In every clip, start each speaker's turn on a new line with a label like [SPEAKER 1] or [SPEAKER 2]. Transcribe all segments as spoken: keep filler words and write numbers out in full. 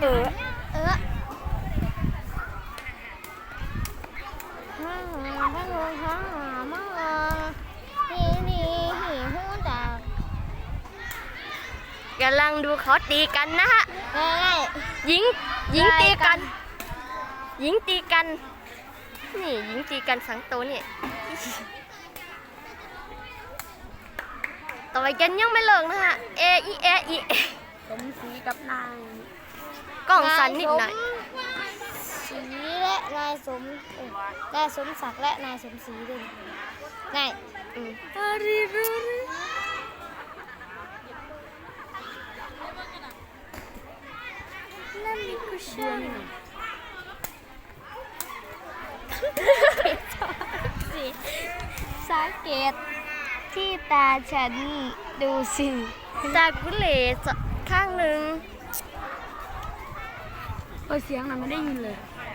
[SPEAKER 1] เออ
[SPEAKER 2] เออฮ่าฮ่าฮ่าฮ่าฮ่าฮีนีฮีฮูจาก
[SPEAKER 1] กำลังดูเขาตีกันนะฮะ
[SPEAKER 2] ง่าย
[SPEAKER 1] หญิงหญิงตีกัน หญิงตีกัน นี่หญิงตีกันสังโตเนี่ยต่อยกันยังไม่เลิกนะฮะ เออีเออีเอ
[SPEAKER 2] สมศรีกับนาย
[SPEAKER 1] กล้องสันนิดหน่อย
[SPEAKER 2] ศรีและนายสมเอ้ยนายสมศักดิ์และนายสมศรีด้วยง่าย
[SPEAKER 1] อืม
[SPEAKER 2] อาริรุนั่นมีคุชชั่นสังเกตที่ตาฉันดูสิ
[SPEAKER 1] จากกุเลสข้างหนึ่ง
[SPEAKER 2] เออเสียงน่ะไม่ได้ยินเลย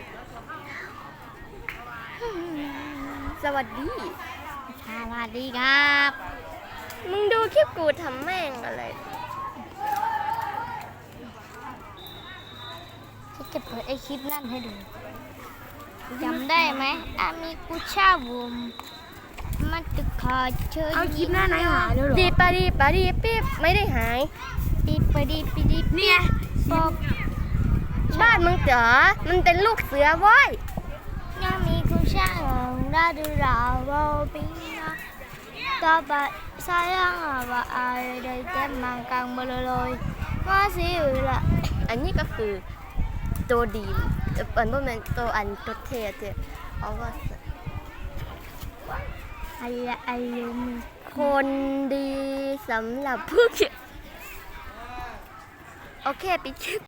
[SPEAKER 1] สวัสดี
[SPEAKER 2] สวัสดีครับ
[SPEAKER 1] มึงดูคลิปกูทำแม่งอะไร
[SPEAKER 2] ฉันจะเปิดไอคลิปนั่นให้ดูจำได้ไหมอามีกุชาบุมมันจะขอเชิญ
[SPEAKER 3] เอาคลิปหน้าไหนหายแล้วเหรอ
[SPEAKER 1] ดีปาดีปาดีปิ๊บไม่ได้หาย
[SPEAKER 2] ปีปดีปีดี
[SPEAKER 3] เนี่ย
[SPEAKER 2] บอก
[SPEAKER 1] บ้านมึงเจอมันเป็นลูกเสือเว้ย
[SPEAKER 2] ยังมีกุชาของราดูราโรปินะต่อไปสายยังว่าอะไรได้แก้มังกังมาเลยมาสิละ
[SPEAKER 1] อันนี้ก็คือตัวดีอันว่ามันตัวอันตัวเท่เท่เอาว่า
[SPEAKER 2] ไอ้ไอ้ยม
[SPEAKER 1] คนดีสำหรับผู้เขียนโอเคปิดคลิป